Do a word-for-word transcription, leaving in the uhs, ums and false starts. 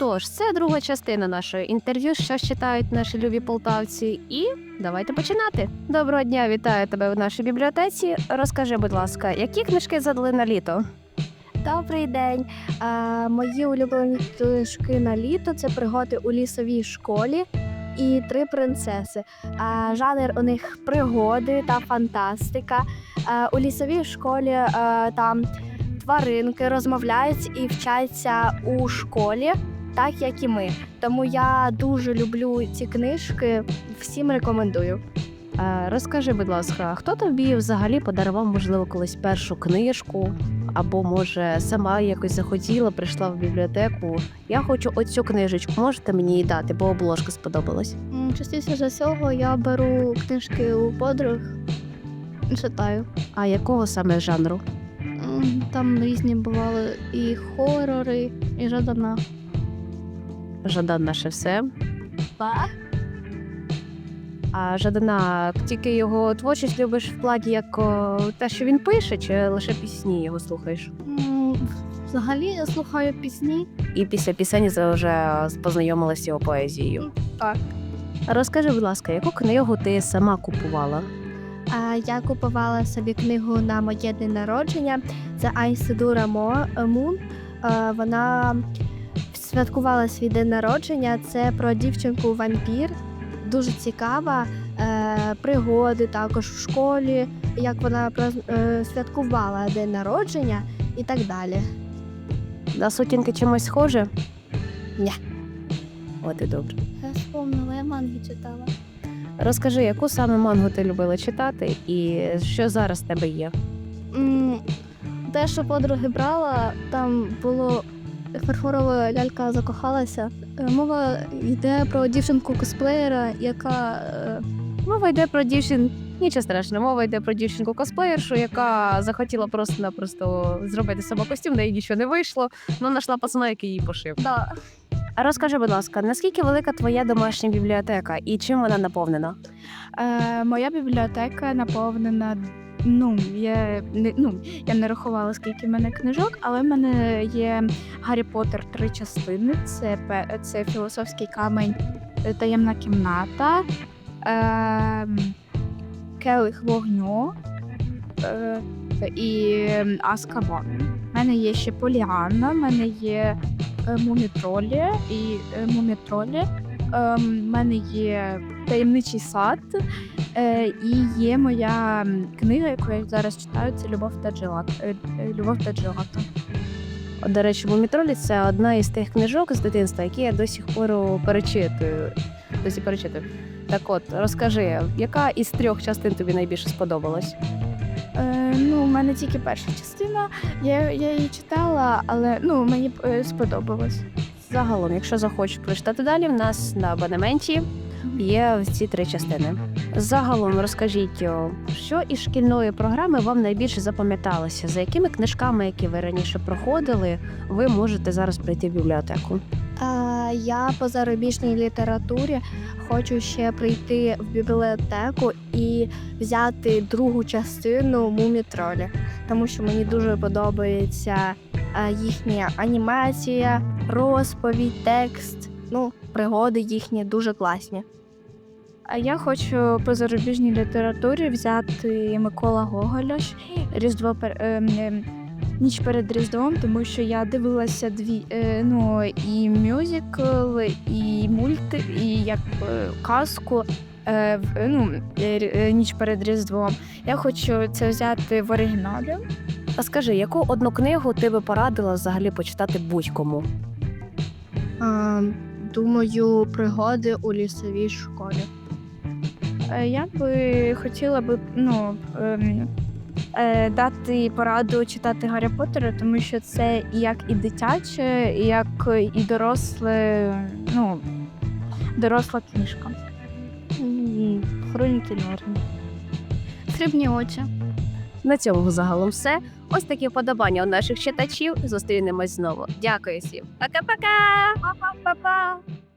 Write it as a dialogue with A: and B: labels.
A: Отож, це друга частина нашого інтерв'ю, що ж читають наші любі полтавці. І давайте починати. Доброго дня, вітаю тебе в нашій бібліотеці. Розкажи, будь ласка, які книжки задали на літо?
B: Добрий день. А, мої улюблені книжки на літо – це «Пригоди у лісовій школі» і «Три принцеси». А, жанр у них пригоди та фантастика. А, у лісовій школі а, там тваринки розмовляють і вчаться у школі, так як і ми. Тому я дуже люблю ці книжки, всім рекомендую.
A: А, розкажи, будь ласка, хто тобі взагалі подарував, можливо, колись першу книжку? Або, може, сама якось захотіла, прийшла в бібліотеку. Я хочу оцю книжечку, можете мені її дати, бо обложка сподобалась.
B: М, Частіше за всього я беру книжки у подруг, читаю.
A: А якого саме жанру?
B: М, Там різні бували і хорори, і Жадана.
A: Жадан наше все.
B: Так.
A: А Жадана, тільки його творчість любиш в плані як о, те, що він пише, чи лише пісні його слухаєш?
B: Взагалі я слухаю пісні.
A: І після пісень вже познайомилася з його поезією.
B: Так.
A: Розкажи, будь ласка, яку книгу ти сама купувала?
B: А я купувала собі книгу на моє день народження. Це Айседура Мун. Е, Вона святкувала свій день народження. Це про дівчинку-вампір. Дуже цікава. Е, Пригоди також в школі, як вона праз- е, святкувала день народження і так далі.
A: На сутінки чимось схоже?
B: Ні.
A: От і добре.
B: Я вспомнила, я манги читала.
A: Розкажи, яку саме мангу ти любила читати і що зараз в тебе є?
B: М, Те, що подруги брала, там було фарфорова лялька закохалася. Е, Мова йде про дівчинку-косплеєра, яка е,
A: Мова йде про дівчин... Нічого страшного, мова йде про дівчинку-косплеєршу, яка захотіла просто-напросто зробити себе костюм, де їй нічого не вийшло, але знайшла пацана, який її пошив.
B: да.
A: А розкажи, будь ласка, наскільки велика твоя домашня бібліотека і чим вона наповнена?
C: Е, моя бібліотека наповнена. Ну, я не ну я не рахувала, скільки в мене книжок, але в мене є Гаррі Поттер три частини. Це пе- це філософський камень, е, таємна кімната, е, келих вогню е, і Азкабан. У мене є ще Поліанна, в мене є е, Мумітролі і е, Мумітролі. У мене є таємничий сад. Е, і є моя м, книга, яку я зараз читаю, це Любов та Джелат. е, е, Любов та Джелата.
A: От, до речі, «Мумітролі» – це одна із тих книжок з дитинства, які я до сих пор перечитую. Досі перечитую. Так от, розкажи, яка із трьох частин тобі найбільше сподобалась?
C: Е, ну, у мене тільки перша частина. Я, я її читала, але ну, мені е, сподобалось.
A: Загалом, якщо захочеш прочитати далі, в нас на абонементі є ці три частини. Загалом розкажіть, о, що із шкільної програми вам найбільше запам'яталося? За якими книжками, які ви раніше проходили, ви можете зараз прийти в бібліотеку?
B: А, я по зарубіжній літературі хочу ще прийти в бібліотеку і взяти другу частину «Мумітролі», тому що мені дуже подобається а, їхня анімація, розповідь, текст, ну, пригоди їхні дуже класні.
C: А я хочу по зарубіжній літературі взяти Микола Гоголя Різдво пер... е, е, Ніч перед Різдвом, тому що я дивилася дві е, ну і мюзикл, і мульт, і як е, казку е, в- ну, е, рі- е, Ніч перед Різдвом. Я хочу це взяти в оригіналі.
A: А скажи, яку одну книгу ти би порадила взагалі почитати будь-кому?
B: А, думаю, пригоди у лісовій школі.
C: Е, Я би хотіла би ну, ем, е, дати пораду читати Гаррі Поттера, тому що це і як і дитяче, і як і доросле, ну, доросла книжка.
B: М, Хроніки Нарнії. Срібні очі.
A: На цьому загалом все. Ось такі вподобання у наших читачів. Зустрінемось знову. Дякую всім. Пока-пока!
B: Па-па-па-па!